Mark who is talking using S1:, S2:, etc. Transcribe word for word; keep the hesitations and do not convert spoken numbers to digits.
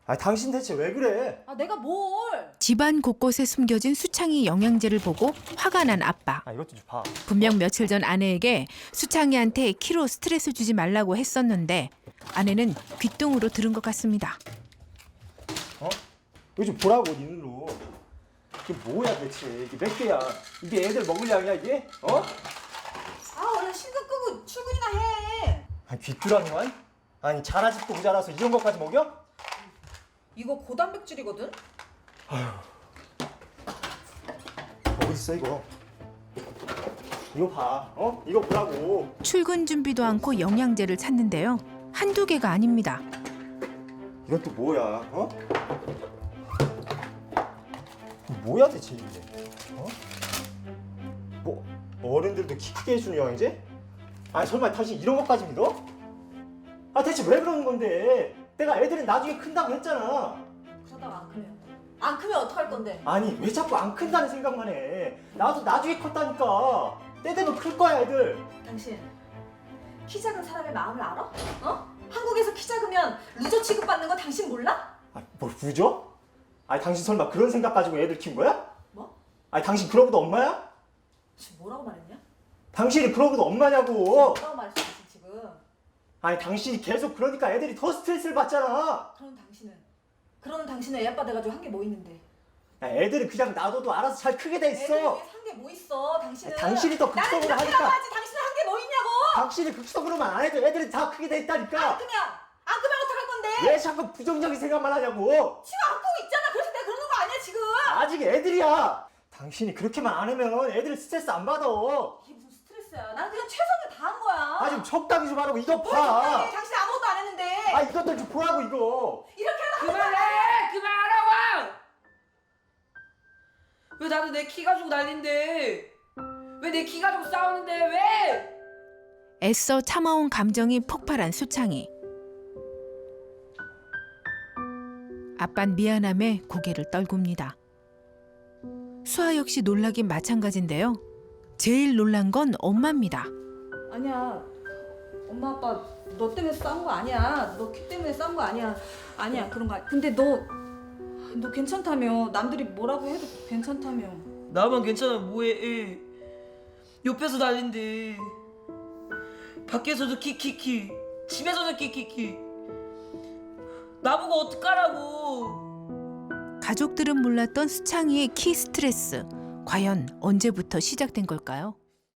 S1: 아, 당신 대체 왜 그래?
S2: 아 내가 뭘?
S3: 집안 곳곳에 숨겨진 수창이 영양제를 보고 화가 난 아빠.
S1: 아, 이것 좀 봐.
S3: 분명 며칠 전 아내에게 수창이한테 키로 스트레스 주지 말라고 했었는데 아내는 귓등으로 들은 것 같습니다.
S1: 어? 이거 좀 보라고, 니 눈으로. 이게 뭐야 대체? 이게 몇 개야? 이게 애들 먹을 양이야 이게? 어?
S2: 아 얼른 신경 끄고 출근이나 해.
S1: 아니, 귀뚜라미만? 아니, 자라집도 모자라서 이런 것까지 먹여?
S2: 이거 고단백질이거든?
S1: 어디 있어 이거? 이거 봐, 어? 이거 보라고.
S3: 출근 준비도 않고 영양제를 찾는데요. 한두 개가 아닙니다.
S1: 이건 또 뭐야, 어? 뭐야 대체 이게? 어? 뭐 어른들도 키 크게 해주는 영양제? 아니 설마 당신 이런 것까지 믿어? 아 대체 왜 그러는 건데? 내가 애들은 나중에 큰다고 했잖아.
S2: 그러다가 안 크면 안 크면 어떡할 건데?
S1: 아니 왜 자꾸 안 큰다는 생각만 해? 나도 나중에 컸다니까. 때 되면 클 거야 애들.
S2: 당신 키 작은 사람의 마음을 알아? 어? 한국에서 키 작으면 루저 취급받는 거 당신 몰라?
S1: 아, 뭘 부죠? 아니 당신 설마 그런 생각 가지고 애들 키운 거야?
S2: 뭐?
S1: 아니 당신 그러고도 엄마야?
S2: 지금 뭐라고 말했냐?
S1: 당신이 그러고도 엄마냐고.
S2: 뭐라고 말했어 당신 지금?
S1: 아니 당신이 계속 그러니까 애들이 더 스트레스를 받잖아.
S2: 그런 당신은 그러는 당신은 애 아빠 돼가지고 한 게 뭐 있는데?
S1: 야, 애들은 그냥 놔둬도 알아서 잘 크게 돼
S2: 애들이
S1: 있어.
S2: 한게 뭐 있어? 당신은
S1: 아니, 당신이 더
S2: 나는
S1: 극성으로
S2: 그렇게라고
S1: 하니까.
S2: 하지 당신은 한 게 뭐 있냐고?
S1: 당신이 극성으로만 안 해도 애들은 다 크게 돼
S2: 안
S1: 있다니까.
S2: 크면 안 크면 어떡할 건데?
S1: 왜 자꾸 부정적인 생각만 하냐고.
S2: 지금 안 크고 있잖아. 그래서 내가 그러는 거 아니야 지금?
S1: 아직 애들이야. 당신이 그렇게만 안 하면 애들 스트레스 안 받아.
S2: 이게 무슨 스트레스야? 나는 그냥 최선을 다한 거야.
S1: 아 좀 적당히 좀 하라고. 이거
S2: 뭘 적당히 해?
S1: 봐.
S2: 당신 아무것도 안 했는데.
S1: 아 이것들 좀 보라고 이거.
S2: 이렇게 하면
S4: 그만해! 그만하라고! 왜 나도 내 키 가지고 난린데? 왜 내 키 가지고 싸우는데? 왜?
S3: 애써 참아온 감정이 폭발한 수창이. 아빤 미안함에 고개를 떨굽니다. 수아 역시 놀라긴 마찬가지인데요. 제일 놀란 건 엄마입니다.
S2: 아니야. 엄마 아빠 너 때문에 싸운 거 아니야. 너 키 때문에 싸운 거 아니야. 아니야 그런 거 아니야. 근데 너 너 괜찮다며. 남들이 뭐라고 해도 괜찮다며.
S4: 나만 괜찮아 뭐해? 옆에서 난린데 밖에서도 키키키 집에서도 키키키 나보고 어떡하라고.
S3: 가족들은 몰랐던 수창이의 키 스트레스. 과연 언제부터 시작된 걸까요?